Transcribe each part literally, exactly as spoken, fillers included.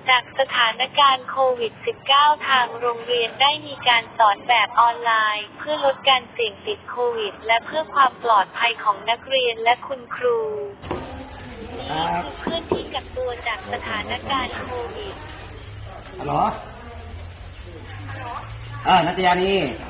จากสถานการณ์โควิด สิบเก้า ทางโรงเรียนได้มีการสอนแบบออนไลน์ เพื่อลดการเสี่ยงติดโควิดและเพื่อความปลอดภัยของนักเรียนและคุณครูนี่คือเพื่อนที่กักตัวจากสถานการณ์โควิดฮัลโหลอ่านัตยานี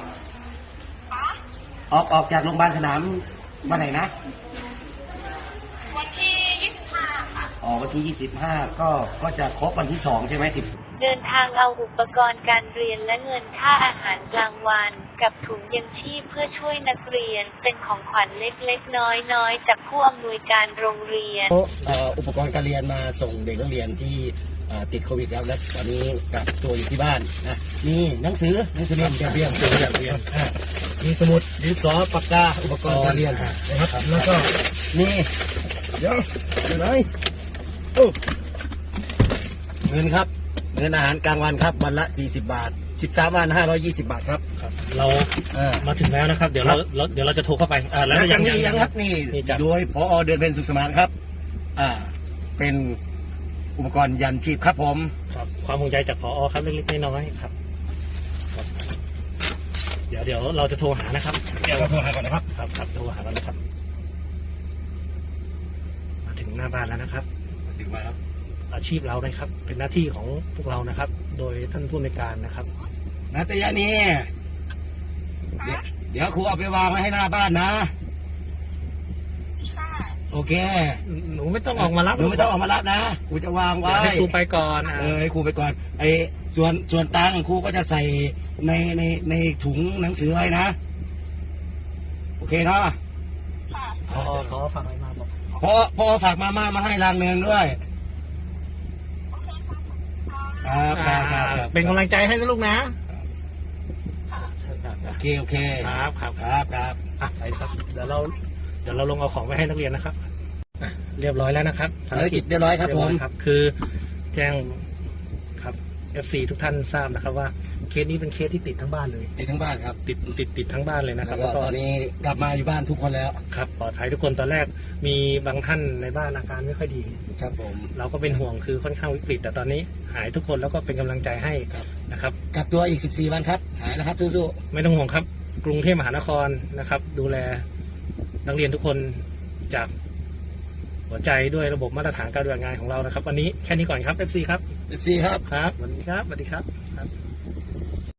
ออกออกจากโรงพยาบาลสนามวันไหนนะวันที่ยี่สิบห้าค่ะอ๋อวันที่ยี่สิบห้าก็ก็จะครบวันที่สองใช่ไหมสิบเดินทางเอาอุปกรณ์การเรียนและเงินค่าอาหารกลางวันกับถุงยังชีพเพื่อช่วยนักเรียนเป็นของขวัญเล็กๆน้อยๆจากผู้อำนวยการโรงเรียนอุปกรณ์การเรียนมาส่งเด็กนักเรียนที่ติดโควิดแล้วและตอนนี้กักตัวอยู่ที่บ้านนะมีหนังสือหนังสือเรียนการเรียนตัวอย่างเรียนมีสมุดดินสอปากกาอุปกรณ์การเรียนนะครับแล้วก็นี่เดี๋ยวเดี๋ยวไหนโอ้เงินครับเงินอาหารกลางวันครับวันละสี่สิบบาทสิบสามวันห้าร้อยยี่สิบบาทครับเรามาถึงแล้วนะครับเดี๋ยวเราเดี๋ยวเราจะโทรเข้าไปอ่าแล้วยังยังครับนี่โดยผอ.เดือนเพ็ญสุขสมานครับอ่าเป็นอุปกรณ์ยันชีพครับผมครับความห่วงใยจากผอ.ครับเล็กๆน้อยๆครับเดี๋ยวเดี๋ยวเราจะโทรหานะครับเดี๋ยวเราโทรหาก่อนนะครับครับครับโทรหาก่อนนะครับมาถึงหน้าบ้านแล้วนะครับมาถึงมาครับอาชีพเรานะครับเป็นหน้าที่ของพวกเรานะครับโดยท่านผู้ในการนะครับนัตยานีเดี๋ยวเดี๋ยวครูเอาไปวางไว้ให้หน้าบ้านนะโอเคหนูไม่ต้องออกมารับหนูไม่ต้องออกมารับนะครูจะวางไว้ให้ครูไปก่อนเออให้ครูไปก่อนไอ้ส่วนส่วนตังครูก็จะใส่ในในในถุงหนังสือไว้นะโอเคเนาะพอขอฝากอะไรมาบอกพอพอฝากมาม่ามาให้รางเนืองด้วยครับครับเป็นกำลังใจให้นะลูกนะโอเคโอเคครับครับครับครับไปครับเดี๋ยวเราเดี๋ยวเราลงเอาของไปให้นักเรียนนะครับเรียบร้อยแล้วนะครับภารกิจเรียบร้อยครับผมครับคือแจ้งครับ เอฟ ซี ทุกท่านทราบนะครับว่าเคสนี้เป็นเคสที่ติดทั้งบ้านเลยติดทั้งบ้านครับติดติดติดทั้งบ้านเลยนะครับแล้วตอนนี้กลับมาอยู่บ้านทุกคนแล้วครับปลอดภัยทุกคนตอนแรกมีบางท่านในบ้านอาการไม่ค่อยดีครับผมเราก็เป็นห่วงคือค่อนข้างวิกฤตแต่ตอนนี้หายทุกคนแล้วก็เป็นกำลังใจให้นะครับกักตัวอีกสิบสี่วันครับหายนะครับสู้ๆไม่ต้องห่วงครับกรุงเทพมหานครนะครับดูแลนักเรียนทุกคนจากหัวใจด้วยระบบมาตรฐานการปฏิบัติงานของเรานะครับวันนี้แค่นี้ก่อนครับ เอฟ ซี ครับเอฟ ซี ครับครับสวัสดีครับสวัสดีครับ